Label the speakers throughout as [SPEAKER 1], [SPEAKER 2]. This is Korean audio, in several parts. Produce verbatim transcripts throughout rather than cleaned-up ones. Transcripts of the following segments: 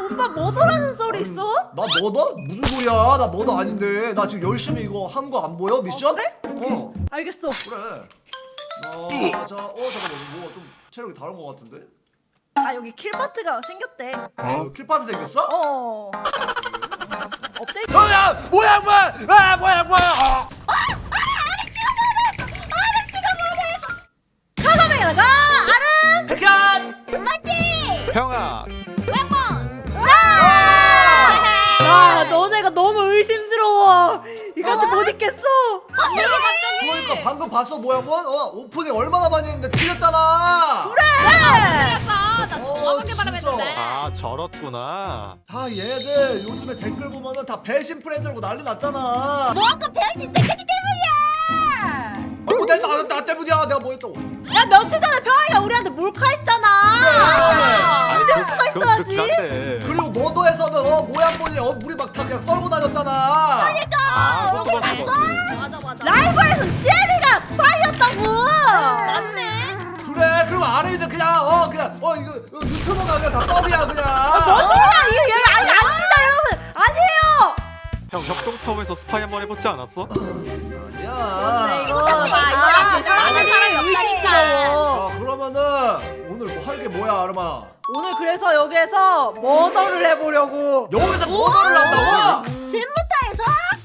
[SPEAKER 1] 오빠 뭐더라는 소리 있어?
[SPEAKER 2] 나 뭐더? 무슨 소리야? 나 뭐더 아닌데. 나 지금 열심히 이거 한 거 안 보여? 미션?
[SPEAKER 1] 어, 그래?
[SPEAKER 2] 어.
[SPEAKER 1] 알겠어.
[SPEAKER 2] 그래. 어, 자, 어 잠깐만, 뭐 좀 체력이 다른 거 같은데?
[SPEAKER 1] 아 여기 킬파트가 생겼대.
[SPEAKER 2] 어? 킬파트 생겼어?
[SPEAKER 1] 어. 어때?
[SPEAKER 2] 뭐야, 뭐야, 뭐야, 아, 뭐야, 뭐야. 아.
[SPEAKER 1] 카가메라가 아름.
[SPEAKER 2] 백현.
[SPEAKER 3] 맞지?
[SPEAKER 4] 형아,
[SPEAKER 1] 아 너네가 너무 의심스러워. 이같이
[SPEAKER 3] 어?
[SPEAKER 1] 못 있겠어.
[SPEAKER 3] 갑자기 갑자기
[SPEAKER 2] 그러니까 방금 봤어, 뭐야, 뭐? 어, 오프닝 얼마나 많이 했는데 틀렸잖아.
[SPEAKER 1] 그래.
[SPEAKER 3] 틀렸어. 나
[SPEAKER 2] 어,
[SPEAKER 3] 정확하게
[SPEAKER 2] 진짜.
[SPEAKER 3] 발음했는데.
[SPEAKER 4] 아 저렇구나.
[SPEAKER 2] 다 얘들 요즘에 댓글 보면은 다 배신 프렌즈라고 난리 났잖아.
[SPEAKER 3] 뭐 아까 배양신 백개지 때문이야.
[SPEAKER 2] 어, 내, 나, 나 때문이야. 내가 뭐 했다고.
[SPEAKER 1] 야 며칠 전에 평아이가 우리한테 몰카했잖아.
[SPEAKER 4] 아니,
[SPEAKER 1] 믿을 수가
[SPEAKER 4] 그건
[SPEAKER 1] 있어야지.
[SPEAKER 4] 그렇긴 한데.
[SPEAKER 2] 그리고 모도에서는 어, 모양 보니 어, 우리 막 다 그냥 썰고 다녔잖아.
[SPEAKER 4] 아, 그것도
[SPEAKER 3] 봤어?
[SPEAKER 4] 봤어.
[SPEAKER 3] 맞아 맞아.
[SPEAKER 1] 라이브에서 제리가 스파이였다고.
[SPEAKER 3] 맞네.
[SPEAKER 2] 그래. 그리고 아래이들 그냥 어 그냥 어 이거 어, 유튜버가 그냥 다 뻥이야 그냥.
[SPEAKER 1] 뭔 소리야 이게 여기 아니 아닙니다 여러분 아니에요.
[SPEAKER 4] 형 협동텀에서 스파이 한번 해보지 않았어?
[SPEAKER 2] 아니야.
[SPEAKER 1] 이거
[SPEAKER 3] 다 봐, 이거 다
[SPEAKER 1] 사람들이
[SPEAKER 3] 사람이 없다니까.
[SPEAKER 2] 자 그러면은 오늘 뭐 할 게 뭐야 아르마?
[SPEAKER 1] 오늘 그래서 여기에서 머더를 해보려고.
[SPEAKER 2] 여기서 모도를 한다고?
[SPEAKER 3] 잼부터에서?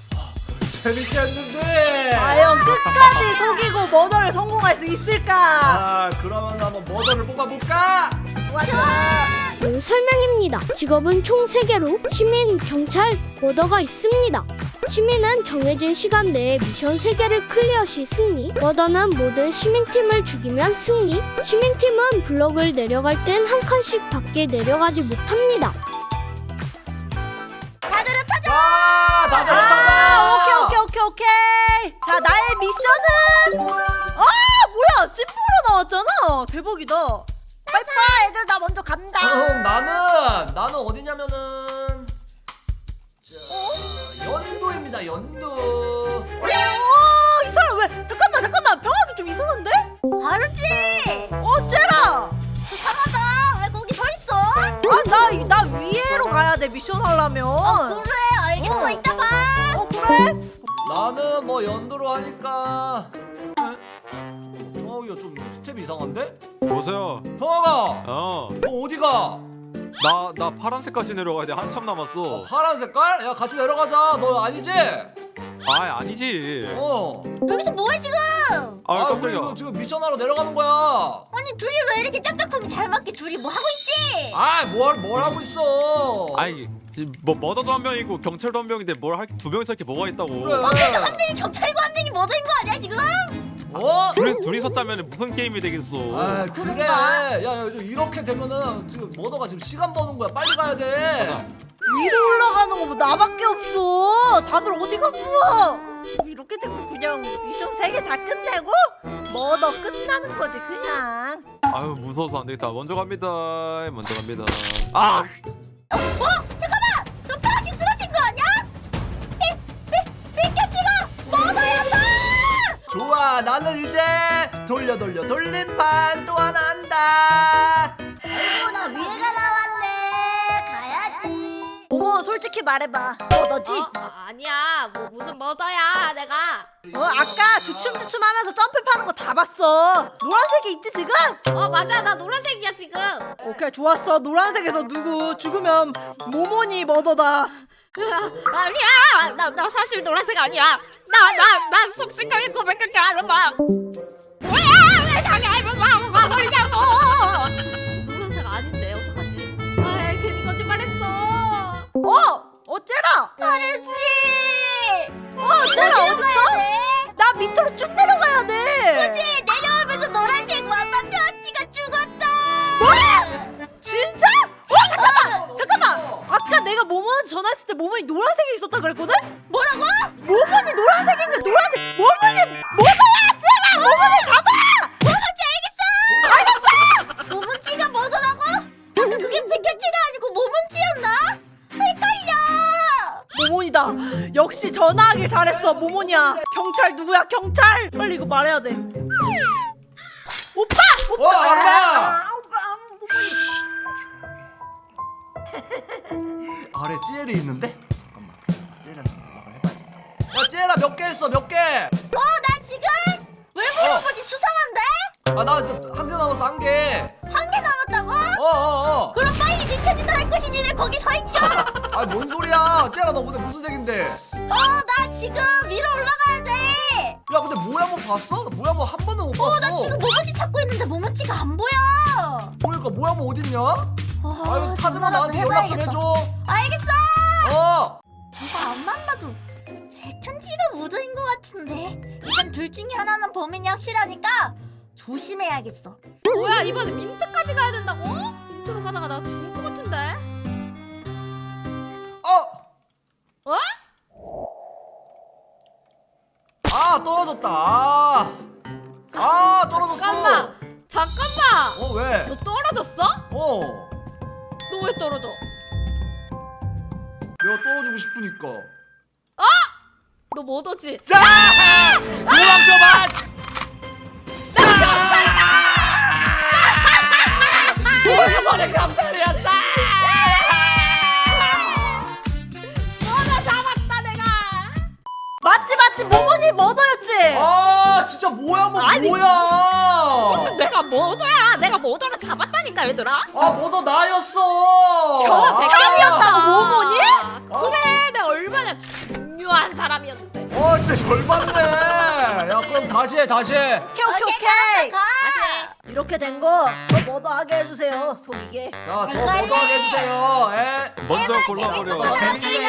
[SPEAKER 2] 재밌겠는데.
[SPEAKER 1] 과연 끝까지 속이고 머더를 성공할 수 있을까?
[SPEAKER 2] 아 그러면 한번 모도를 뽑아볼까?
[SPEAKER 5] 음, 설명입니다. 직업은 총 세 개로 시민, 경찰, 머더가 있습니다. 시민은 정해진 시간 내에 미션 세 개를 클리어 시 승리, 머더는 모든 시민팀을 죽이면 승리, 시민팀은 블럭을 내려갈 땐 한 칸씩 밖에 내려가지 못합니다.
[SPEAKER 3] 다들 흩어져.
[SPEAKER 2] 아 다들
[SPEAKER 1] 아,
[SPEAKER 2] 찾아.
[SPEAKER 1] 오케이 오케이 오케이 오케이. 자 나의 미션은 아 뭐야 찐프로 나왔잖아. 대박이다. 빠이빠이 애들 나 먼저 간다.
[SPEAKER 2] 응, 나는 나는 어디냐면은 자, 연도입니다. 연도.
[SPEAKER 1] 아, 이 사람 왜 잠깐만 잠깐만 병하기 좀 이상한데?
[SPEAKER 3] 알았지?
[SPEAKER 1] 어째라?
[SPEAKER 3] 이상하다. 왜 거기 서 있어?
[SPEAKER 1] 아나 나 위에로 가야 돼 미션 하려면.
[SPEAKER 3] 어, 그래 알겠어.
[SPEAKER 1] 어.
[SPEAKER 3] 이따 봐.
[SPEAKER 1] 어 그래?
[SPEAKER 2] 나는 뭐 연도로 하니까 평화기가 좀 스텝이 이상한데?
[SPEAKER 4] 보세요.
[SPEAKER 2] 평화가
[SPEAKER 4] 어,
[SPEAKER 2] 너 어디가?
[SPEAKER 4] 나 나 파란색까지 내려가야 돼. 한참 남았어.
[SPEAKER 2] 파란 색깔? 야 같이 내려가자. 너 아니지?
[SPEAKER 4] 아, 아니지.
[SPEAKER 2] 어.
[SPEAKER 3] 여기서 뭐해 지금?
[SPEAKER 4] 아,
[SPEAKER 2] 아 우리
[SPEAKER 4] 깜짝이야.
[SPEAKER 2] 이거 지금 미션하러 내려가는 거야.
[SPEAKER 3] 아니 둘이 왜 이렇게 짝짝하게 잘 맞게 둘이 뭐 하고 있지?
[SPEAKER 2] 아뭘뭘 뭘 하고 있어?
[SPEAKER 4] 아이, 뭐 머더도 한 명이고 경찰도 한 명인데 뭘 할 두 명이서 이렇게 뭐가 있다고.
[SPEAKER 2] 그래.
[SPEAKER 3] 어, 그래도 한 명이 경찰이고 한 명이 머더인 거 아니야 지금?
[SPEAKER 2] 어?
[SPEAKER 4] 둘이 둘이서 짜면 무슨 게임이 되겠어.
[SPEAKER 2] 아 그래.
[SPEAKER 3] 그런가?
[SPEAKER 2] 야, 야 이렇게 되면은 지금 머더가 지금 시간 버는 거야. 빨리 가야 돼.
[SPEAKER 4] 맞아.
[SPEAKER 1] 위로 올라가는 거 뭐 나밖에 없어. 다들 어디 갔어? 이렇게 되면 그냥 미션 세 개 다 끝내고 머더 끝나는 거지 그냥.
[SPEAKER 4] 아유, 무서워서 안 되겠다. 먼저 갑니다. 먼저 갑니다. 아,
[SPEAKER 3] 어? 잠깐만! 저 파란지 쓰러진 거 아니야? 피, 피, 피켓티가 머더였어!
[SPEAKER 2] 좋아 나는 이제 돌려 돌려 돌림판 또 하나 한다.
[SPEAKER 3] 아이고 나 위에가 나왔네 가야지.
[SPEAKER 1] 어머 솔직히 말해봐. 머더지?
[SPEAKER 3] 어? 아, 아니야 뭐 무슨 머더야 내가.
[SPEAKER 1] 어 아까 주춤주춤하면서 점프하는 거 다 봤어. 노란색이 있지 지금?
[SPEAKER 3] 어 맞아 나 노란색이야 지금.
[SPEAKER 1] 오케이 좋았어. 노란색에서 누구 죽으면 모모니 머더다.
[SPEAKER 3] 아니야 나, 나 사실 노란색 아니야. 나 나 나 속sik하게 고백할게 알아봐. 뭐야 왜 자기 알아봐 가버리냐고. 노란색 아닌데 어떡하지? 아 괜히 거짓말했어.
[SPEAKER 1] 어? 어째라?
[SPEAKER 3] 말했지.
[SPEAKER 1] 어 어째라 어딨어? 나 밑으로 쭉 내려가야 돼.
[SPEAKER 3] 그치 내려오면서 노란색 완마 편지가 죽었다.
[SPEAKER 1] 뭐야? 진짜? 어 잠깐만 잠깐만. 아까 내가 모모한테 전화했을 때 모모니 노란색이 있었다 그랬거든?
[SPEAKER 3] 뭐라고?
[SPEAKER 1] 모모니 노란색인데 노란색 모모니 뭐더야 제발 모모니 잡아.
[SPEAKER 3] 뭐문지 알겠어. 알겠어. 모문지가 뭐더라고? 근데 그게 백현치가 아니고 모문지였나? 헷갈려.
[SPEAKER 1] 모모니다. 역시 전화하길 잘했어 모모니야. 경찰 누구야 경찰? 빨리 이거 말해야 돼. 오빠! 오빠!
[SPEAKER 2] 어, 알아.
[SPEAKER 1] 아, 오빠 모모니.
[SPEAKER 2] 아래 찌엘이 있는데? 잠깐만 찌엘이한테 연락을 해봐야겠다. 야 찌엘아 몇 개 했어 몇 개?
[SPEAKER 1] 어, 나 지금 왜 그런 거지? 수상한데?
[SPEAKER 2] 아나 한 개 남았어 한 개.
[SPEAKER 1] 한 개 남았다고?
[SPEAKER 2] 어어어.
[SPEAKER 1] 그럼 빨리 미션이나 할 것이지 왜 거기 서 있죠?
[SPEAKER 2] 아 뭔 소리야? 찌엘아 너 근데 무슨 색인데?
[SPEAKER 1] 어, 나 지금 위로 올라가야 돼.
[SPEAKER 2] 야 근데 모양은 봤어? 나 모양은 한 번도 못 봤어.
[SPEAKER 1] 어, 나 지금 모모찌 찾고 있는데 모모찌가 안 보여.
[SPEAKER 2] 그러니까 모양은 어딨냐?
[SPEAKER 1] 어,
[SPEAKER 2] 아유 찾으면
[SPEAKER 1] 전화라도
[SPEAKER 2] 나한테 연락 좀
[SPEAKER 1] 해봐야겠다.
[SPEAKER 2] 해줘.
[SPEAKER 1] 알겠어.
[SPEAKER 2] 어.
[SPEAKER 1] 저거 앞만 봐도 편지가 묻어인 것 같은데. 일단 둘 중에 하나는 범인이 확실하니까 조심해야겠어.
[SPEAKER 3] 뭐야 이번에 민트까지 가야 된다고? 민트로 가다가 나 죽을 것 같은데.
[SPEAKER 2] 어.
[SPEAKER 3] 어?
[SPEAKER 2] 아 떨어졌다. 아, 아 떨어졌어.
[SPEAKER 3] 잠깐만 잠깐만.
[SPEAKER 2] 어 왜?
[SPEAKER 3] 너 떨어졌어?
[SPEAKER 2] 어.
[SPEAKER 3] 너 왜 떨어져?
[SPEAKER 2] 내가 떨어지고 싶으니까.
[SPEAKER 3] 너 뭐더지?
[SPEAKER 2] 자! 도망쳐봐! 오랜만에 경찰이었다!
[SPEAKER 3] 너나 잡았다 내가.
[SPEAKER 1] 맞지 맞지 모모니 머더였지.
[SPEAKER 2] 아 진짜 뭐야 뭐
[SPEAKER 3] 아니,
[SPEAKER 2] 뭐야!
[SPEAKER 3] 무슨 내가 모더야? 내가 모더를 잡았다니까 얘들아.
[SPEAKER 2] 아 뭐도 나였어!
[SPEAKER 3] 변화
[SPEAKER 2] 아.
[SPEAKER 3] 백감이었다고
[SPEAKER 1] 모모니?
[SPEAKER 3] 그래 내가 얼마나 중요한 사람이었는데.
[SPEAKER 2] 어 진짜 열받네. 야 그럼 다시 해 다시 해.
[SPEAKER 1] 오케이 오케이 오케이.
[SPEAKER 3] 다시.
[SPEAKER 1] 이렇게 된 거 저 머더하게 해주세요. 속이게.
[SPEAKER 2] 자, 저 모두 하게 해주세요. 예.
[SPEAKER 4] 먼저 골라버려.
[SPEAKER 2] 어, 재밌게 해.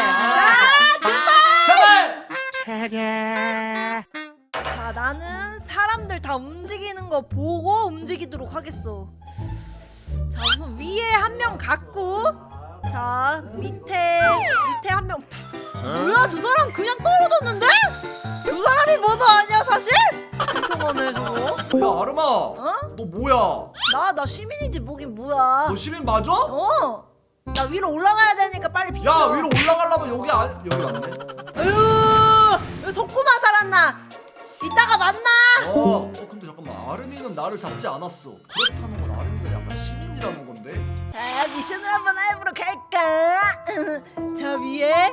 [SPEAKER 1] 아,
[SPEAKER 2] 제발!
[SPEAKER 1] 자, 나는 사람들 다 움직이는 거 보고 움직이도록 하겠어. 자, 우선 위에 한 명 갖고, 자 밑에 밑에 한 명. 뭐야, 저 사람 그냥 떨어졌는데? 저 사람이 뭐도 아니야 사실? 이상하네 저거.
[SPEAKER 2] 야 아름아,
[SPEAKER 1] 어?
[SPEAKER 2] 너 뭐야?
[SPEAKER 1] 나 나 시민이지 뭐긴 뭐야.
[SPEAKER 2] 너 시민 맞아?
[SPEAKER 1] 어. 나 위로 올라가야 되니까 빨리 비켜.
[SPEAKER 2] 야 위로 올라가려면 여기 안 여기 맞네.
[SPEAKER 1] 으, 속고만 살았나? 이따가 만나.
[SPEAKER 2] 어, 어 근데 잠깐만 아름이는 나를 잡지 않았어. 그렇다는 건 아름이가 약간 시민이라는 건데.
[SPEAKER 1] 자, 미션을 한번 해보러 갈까? 저 위에.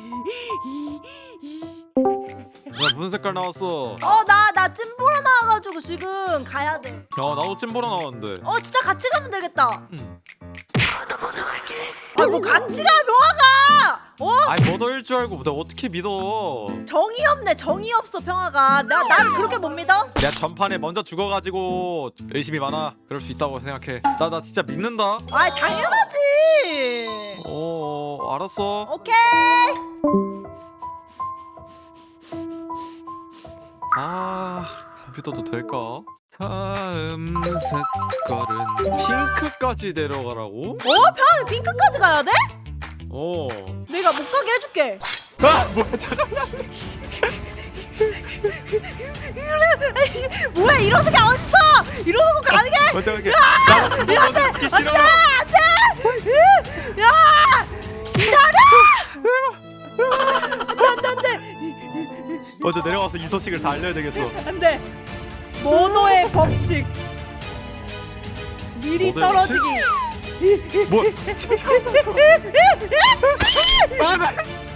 [SPEAKER 4] 야 무슨 색깔 나왔어?
[SPEAKER 1] 어, 나 나 찜보러 나와가지고 지금 가야 돼.
[SPEAKER 4] 야 나도 찜보러 나왔는데.
[SPEAKER 1] 어, 진짜 같이 가면 되겠다.
[SPEAKER 4] 응.
[SPEAKER 1] 아, 뭐 같이 가, 병아가. 어?
[SPEAKER 4] 아이 머더일 줄 알고 내가 어떻게 믿어?
[SPEAKER 1] 정이 없네, 정이 없어, 병아가. 나 나를 그렇게 못 믿어?
[SPEAKER 4] 내가 전판에 먼저 죽어가지고 의심이 많아. 그럴 수 있다고 생각해. 나 나 진짜 믿는다.
[SPEAKER 1] 아, 당연하지.
[SPEAKER 4] 어, 어 알았어.
[SPEAKER 1] 오케이.
[SPEAKER 4] 아 믿어도 될까? 다음 색깔은 핑크까지 내려가라고?
[SPEAKER 1] 어, 병아 핑크까지 가야 돼?
[SPEAKER 4] 어.
[SPEAKER 1] 내가 못 가게 해줄게.
[SPEAKER 4] 아 뭐야 잠깐만.
[SPEAKER 1] 뭐야, 이러는 게 어딨어? 이러고 가는 게?
[SPEAKER 4] 먼저 갈게. 나 그거 듣기 싫어.
[SPEAKER 1] 안돼! 야! 기다려! 안돼 안돼
[SPEAKER 4] 먼저 내려가서 이 소식을 다 알려야 되겠어.
[SPEAKER 1] 안돼. 모노의 법칙. 미리
[SPEAKER 4] 모노의
[SPEAKER 1] 떨어지기.
[SPEAKER 4] 뭐? 아,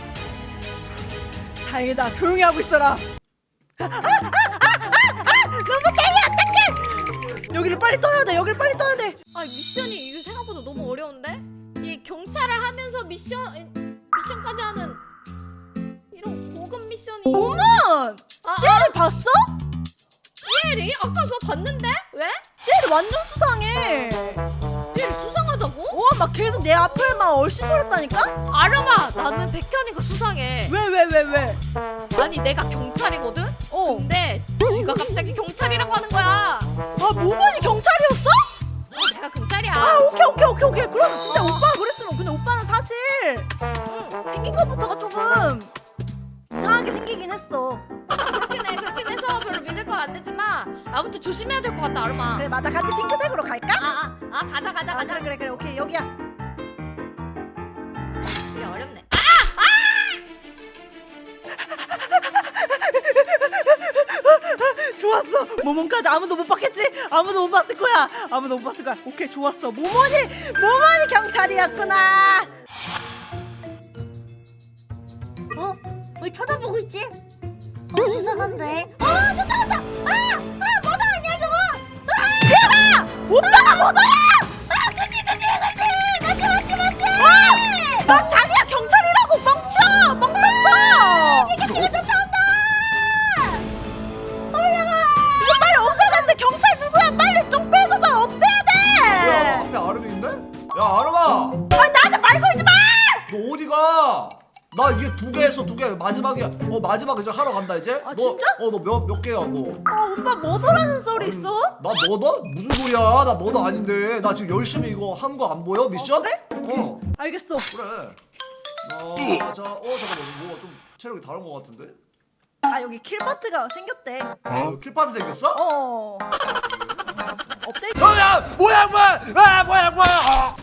[SPEAKER 1] 다행이다. 조용히 하고 있어라. 너무 때려 어떡해. 여기를 빨리 떠야 돼. 여기를 빨리 떠야 돼.
[SPEAKER 3] 아 미션이 이게 생각보다 너무 어려운데? 이게 경찰을 하면서 미션 미션까지 하는 이런 고급 미션이.
[SPEAKER 1] 어머!
[SPEAKER 3] 아,
[SPEAKER 1] 젤리 봤어?
[SPEAKER 3] 젤리? 아까 그거 봤는데? 왜?
[SPEAKER 1] 젤리 완전 수상해.
[SPEAKER 3] 젤리 수상하다고?
[SPEAKER 1] 어, 막 계속 내 앞을 막 얼씬거렸다니까?
[SPEAKER 3] 아름아 나는 백현이가 수상해.
[SPEAKER 1] 왜 왜 왜 왜?
[SPEAKER 3] 아니 내가 경찰이거든?
[SPEAKER 1] 어.
[SPEAKER 3] 근데 지가 갑자기 경찰이라고 하는 거야.
[SPEAKER 1] 아, 모모니 경찰이었어?
[SPEAKER 3] 어, 내가 경찰이야.
[SPEAKER 1] 아, 오케이 오케이 오케이 오케이. 그럼 진짜 오빠가 그랬으면. 근데 오빠는 사실 생긴 것부터가 조금 이상하게 생기긴 했어.
[SPEAKER 3] 그렇긴 해 그렇긴 해서 별로 믿을 건 안 되지만 아무튼 조심해야 될 것 같다 아름아.
[SPEAKER 1] 그래, 맞아. 같이 핑크색으로 갈까?
[SPEAKER 3] 아아 아, 아, 가자 가자
[SPEAKER 1] 아,
[SPEAKER 3] 가자.
[SPEAKER 1] 그래 그래 그래. 오케이, 여기야.
[SPEAKER 3] 되게 어렵네.
[SPEAKER 1] 좋았어. 모몬까지 아무도 못 봤겠지? 아무도 못 봤을 거야. 아무도 못 봤을 거야. 오케이, 좋았어. 모모니 모모니 경찰이었구나.
[SPEAKER 3] 쳐다보고 있지? 어 수상한데. 어 쫓아간다. 아아 뭐다 아니야 저거.
[SPEAKER 1] 쟤라! 오빠가 뭐더야!
[SPEAKER 3] 아 그치 그치 그치 맞지 맞지 맞지.
[SPEAKER 1] 나 자기야 경찰이라고 멍쳐! 멍쳤어!
[SPEAKER 3] 피카츄가 쫓아온다. 올라가.
[SPEAKER 1] 이거 빨리 없애야 되는데 경찰 누구야? 빨리 좀 빼고서 없애야
[SPEAKER 2] 뭐야
[SPEAKER 1] 돼!
[SPEAKER 2] 앞에 아름이 있네? 야 아름아
[SPEAKER 1] 아 나한테 말 걸지 마!
[SPEAKER 2] 너 어디가? 나 이게 두 개 했어 두 개 마지막이야. 어 마지막 이제 하러 간다 이제.
[SPEAKER 1] 아,
[SPEAKER 2] 너,
[SPEAKER 1] 진짜?
[SPEAKER 2] 어 너 몇 몇 개야 너?
[SPEAKER 1] 아 오빠 뭐더라는 소리 있어?
[SPEAKER 2] 나 뭐다? 무슨 소리야? 나 뭐다 아닌데. 나 지금 열심히 이거 한 거 안 보여 미션?
[SPEAKER 1] 어, 그래?
[SPEAKER 2] 어
[SPEAKER 1] 알겠어.
[SPEAKER 2] 그래. 어, 자, 어 잠깐만 뭐가 좀 체력이 다른 거 같은데?
[SPEAKER 1] 아 여기 킬파트가 생겼대.
[SPEAKER 2] 어? 킬파트 생겼어?
[SPEAKER 1] 어. 업데이트.
[SPEAKER 2] 뭐야 뭐야 뭐야 아 뭐야 뭐야 아.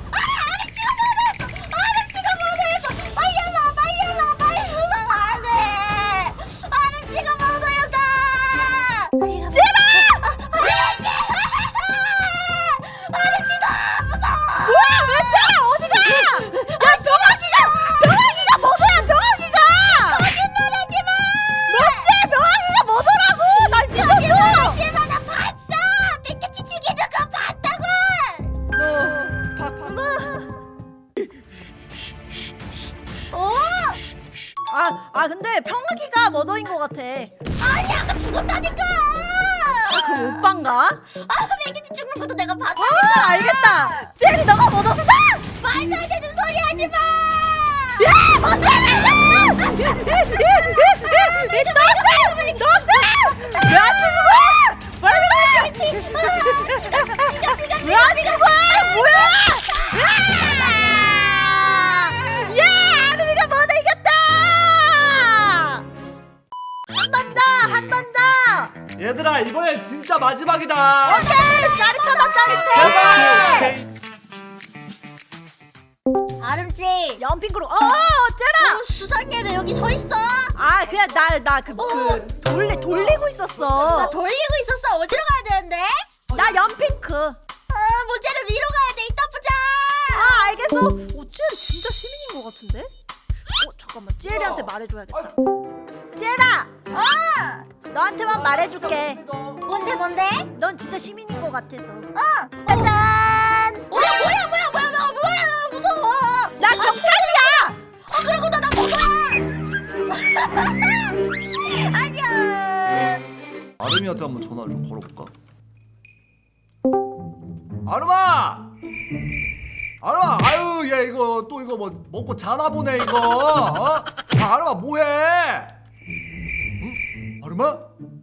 [SPEAKER 3] 아름치가 모두였어. 빨리 올라 빨리 올라 빨리 올라가 안 돼. 아름치가 모두였다. 찌라! 아름치! 아름치다 무서워.
[SPEAKER 1] 뭐야 왜 쟤 어디가? 야 병아기가 병아기가 뭐더야 병아기가?
[SPEAKER 3] 거짓말하지 마.
[SPEAKER 1] 뭐지 병아기가 뭐더라고? 날 믿었어.
[SPEAKER 3] 거짓말하지 마. 나 봤어. 피카츄 죽이는 거 봤다고.
[SPEAKER 1] 너 봤구나.
[SPEAKER 3] 오!
[SPEAKER 1] 아, 아 근데 병아기가 머더인 것 같아.
[SPEAKER 3] 아니 아까 죽었다니까.
[SPEAKER 1] 아, 그 오빠인가?
[SPEAKER 3] 아 피카츄 죽는 것도 내가 봤다니까.
[SPEAKER 1] 아 알겠다. 제리 너가 머더다.
[SPEAKER 3] 말도 안 되는 소리 하지 마.
[SPEAKER 1] 야 뭔데? 이 너지 너지 왜안 죽어? 빨리 왜안 죽어? 뭐야? 야 아름이가 머더 이겼다. 한 번 더 한 번 더.
[SPEAKER 2] 얘들아 이번엔 진짜 마지막이다.
[SPEAKER 1] 오케이 짜릿하다 짜릿해.
[SPEAKER 2] 제발.
[SPEAKER 3] 아름씨.
[SPEAKER 1] 연핑크로 어 쟤라.
[SPEAKER 3] 어, 수상해 왜 여기 서 있어?
[SPEAKER 1] 아 그냥 나 나 그 그 돌리 돌리고
[SPEAKER 3] 나
[SPEAKER 1] 있었어.
[SPEAKER 3] 돌리고 있었어. 어디로 가야 되는데?
[SPEAKER 1] 나 연핑크.
[SPEAKER 3] 아 모자를 위로 가야 돼. 이따 보자.
[SPEAKER 1] 아 알겠어. 어 쟤 진짜 시민인 것 같은데? 어 잠깐만 쟤리한테 말해줘야겠다. 쟤라
[SPEAKER 3] 어.
[SPEAKER 1] 너한테만 말해줄게.
[SPEAKER 3] 뭔데 뭔데?
[SPEAKER 1] 넌 진짜 시민인 것 같아서.
[SPEAKER 3] 어.
[SPEAKER 1] 짜잔.
[SPEAKER 3] 어 뭐야 뭐야 뭐야 뭐야 뭐야 나 무서워.
[SPEAKER 1] 나 경찰이야.
[SPEAKER 3] 아 그러고 나나 뭐야? 안녕.
[SPEAKER 2] 아름이한테 한번 전화를 좀 걸어볼까? 아름아! 아름아! 아유 얘 이거 또 이거 뭐 먹고 자나 보네 이거 어? 아, 아름아 뭐해? 응? 아름아?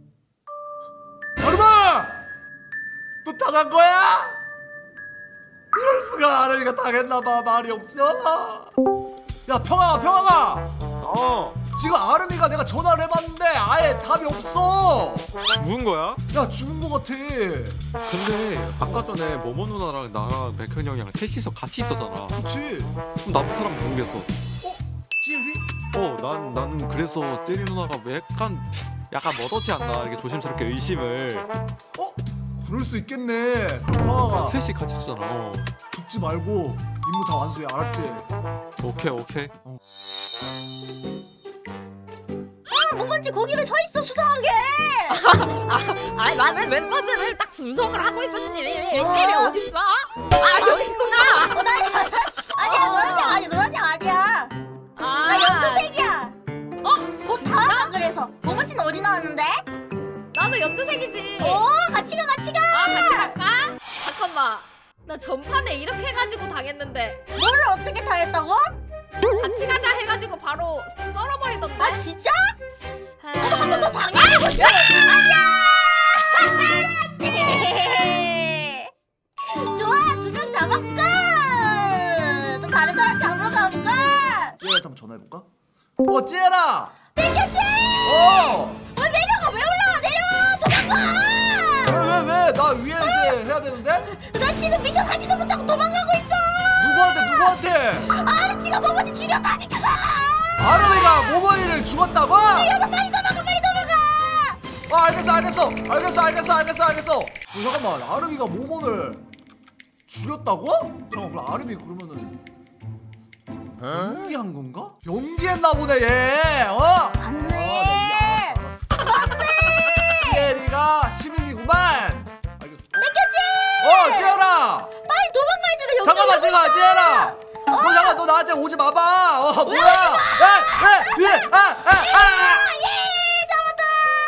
[SPEAKER 2] 아름아! 너 당한 거야? 이럴 수가. 아름이가 당했나봐. 말이 없어. 야 평아 평아가
[SPEAKER 4] 어
[SPEAKER 2] 지금 아름이가 내가 전화를 해봤는데 아예 답이 없어.
[SPEAKER 4] 죽은 거야?
[SPEAKER 2] 야 죽은 거 같아.
[SPEAKER 4] 근데 아까 전에 모모 누나랑 나랑 백현 형이랑 셋이서 같이 있었잖아.
[SPEAKER 2] 그치?
[SPEAKER 4] 그럼 남은 사람 모르겠어.
[SPEAKER 2] 찌리?
[SPEAKER 4] 어, 난 나는 그래서 찌리 누나가 왜 약간 약간 머더지 않나 이렇게 조심스럽게 의심을.
[SPEAKER 2] 어? 그럴 수 있겠네. 평아가
[SPEAKER 4] 셋이 같이 있었잖아. 어.
[SPEAKER 2] 죽지 말고 임무 다 완수해. 알았지?
[SPEAKER 4] 오케이 오케이.
[SPEAKER 3] 아 뭐건지 거기 왜 서 있어 수상하게.
[SPEAKER 6] 아니 나는 멤버들을 딱 분석을 하고 있었지. 찌리
[SPEAKER 3] 어.
[SPEAKER 6] 어딨어? 아 여기 있구나.
[SPEAKER 3] 어, 나 아니야
[SPEAKER 6] 어.
[SPEAKER 3] 노란색 아니야 노란색 아니야.
[SPEAKER 6] 아,
[SPEAKER 3] 나 연두색이야.
[SPEAKER 6] 어?
[SPEAKER 3] 곧 다음가 그래서. 모모찌는 어디 나왔는데?
[SPEAKER 6] 나도 연두색이지.
[SPEAKER 3] 오 같이 가 같이 가.
[SPEAKER 6] 아 같이 갈까? 잠깐만. 나 전판에 이렇게 해가지고 당했는데
[SPEAKER 3] 뭐를 어떻게 당했다고?
[SPEAKER 6] 같이 가자 해가지고 바로 썰어버리던데.
[SPEAKER 3] 아 진짜?
[SPEAKER 6] 아,
[SPEAKER 3] 한 번 더 당해야 보지. 안녕. 좋아 두 명 잡았고. 또 다른 사람 잡으러 가볼까?
[SPEAKER 2] 찌리한테 한번 전화해볼까? 어 찌라!
[SPEAKER 3] 땡겼지?
[SPEAKER 2] 어!
[SPEAKER 3] 왜 내려가 왜 올라와 내려 도망가.
[SPEAKER 2] 왜 왜 왜? 나 위에 이제 해야 되는데?
[SPEAKER 3] 나 지금 미션 하지도 못하고 도망가고 있어.
[SPEAKER 2] 누구한테 누구한테?
[SPEAKER 3] 아르치가 모모찌 죽였다니까.
[SPEAKER 2] 아름이가 모모이를 죽었다고?
[SPEAKER 3] 죽여서 빨리 도망가 빨리 도망가.
[SPEAKER 2] 아 알겠어 알겠어 알겠어 알겠어 알겠어 알겠어. 어, 잠깐만 아름이가 모모를 죽였다고? 잠깐 그럼 아름이 그러면은 연기한 건가? 연기했나 보네 얘. 어?
[SPEAKER 3] 맞네.
[SPEAKER 2] 맞네. 피에리가 시민이구만. 알겠어. 어, 지현아.
[SPEAKER 3] 빨리 도망가야지. 왜 여기
[SPEAKER 2] 잠깐만, 지현아, 지현아. 너 잠깐, 너 나한테 오지 마봐. 어, 뭐야? 야, 왜, 왜, 아, 아, 아.
[SPEAKER 3] 예, 잡았다.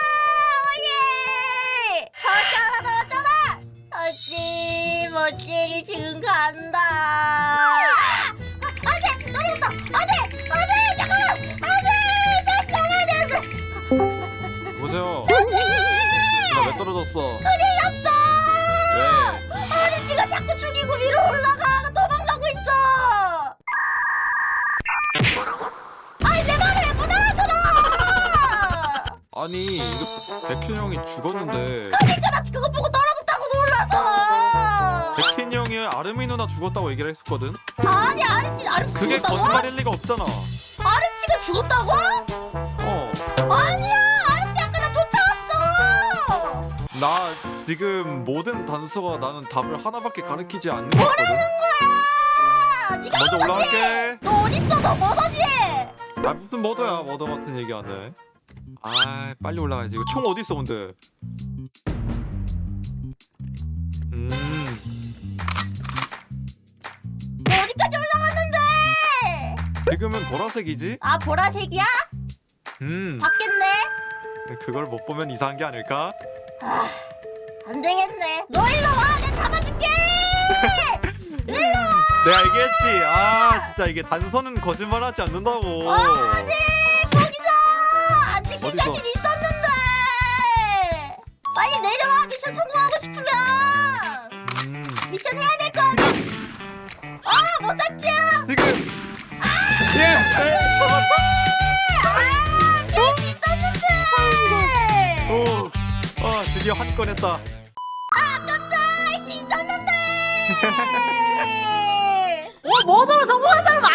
[SPEAKER 3] 예. 잡았잖아, 잡았잖아. 어찌 멋지리 지금 간다. 아, 안돼, 떨어졌다. 안돼, 안돼, 잠깐만, 안돼. 같이 잡아야 되는데.
[SPEAKER 4] 보세요.
[SPEAKER 3] 어찌?
[SPEAKER 4] 나 왜 떨어졌어?
[SPEAKER 3] 큰일 났어.
[SPEAKER 4] 왜?
[SPEAKER 3] 아니 지가 자꾸 죽이고 위로 올라가. 나 도망가고 있어. 아니 내 말을 왜 못 알아들어?
[SPEAKER 4] 아니 이거 백현 형이 죽었는데
[SPEAKER 3] 그러니까 나 그거 보고 떨어졌다고 놀라서.
[SPEAKER 4] 백현 형이 아르미 누나 죽었다고 얘기를 했었거든.
[SPEAKER 3] 아니 아르치 아르치
[SPEAKER 4] 그게
[SPEAKER 3] 죽었다고?
[SPEAKER 4] 거짓말일 리가 없잖아.
[SPEAKER 3] 아르치가 죽었다고?
[SPEAKER 4] 어.
[SPEAKER 3] 아니야 아르치 아까 나 쫓아왔어.
[SPEAKER 4] 나 지금 모든 단서가 나는 답을 하나밖에 가리키지 않는 거 같거든.
[SPEAKER 3] 거야. 네가
[SPEAKER 4] 먼저
[SPEAKER 3] 머더지?
[SPEAKER 4] 올라갈게.
[SPEAKER 3] 너 어딨어? 너 머더지?
[SPEAKER 4] 아 무슨 머더야 머더 같은 얘기 안 해. 아 빨리 올라가야지. 이거 총 어디 있어 근데? 음
[SPEAKER 3] 너 어디까지 올라갔는데?
[SPEAKER 4] 지금은 보라색이지?
[SPEAKER 3] 아 보라색이야?
[SPEAKER 4] 음
[SPEAKER 3] 바뀌었네.
[SPEAKER 4] 그걸 못 보면 이상한 게 아닐까?
[SPEAKER 3] 안 되겠네. 너 일로 와. 내가 잡아줄게. 일로 와.
[SPEAKER 4] 내가 얘기했지. 아 진짜 이게 단서는 거짓말하지 않는다고.
[SPEAKER 3] 어디 거기서 안 들킬
[SPEAKER 4] 어디서?
[SPEAKER 3] 자신 있었는데. 빨리 내려와. 미션 성공하고 싶으면
[SPEAKER 4] 음
[SPEAKER 3] 미션 해야 될 거 아니야. 아, 못 샀지?
[SPEAKER 4] 지금 예 잡았다.
[SPEAKER 3] 아, 피할 수 있었는데.
[SPEAKER 4] 오, 아 드디어 한 건 했다.
[SPEAKER 3] 아깝다. 할 수 있었는데.
[SPEAKER 1] 어, 머더로 성공한 사람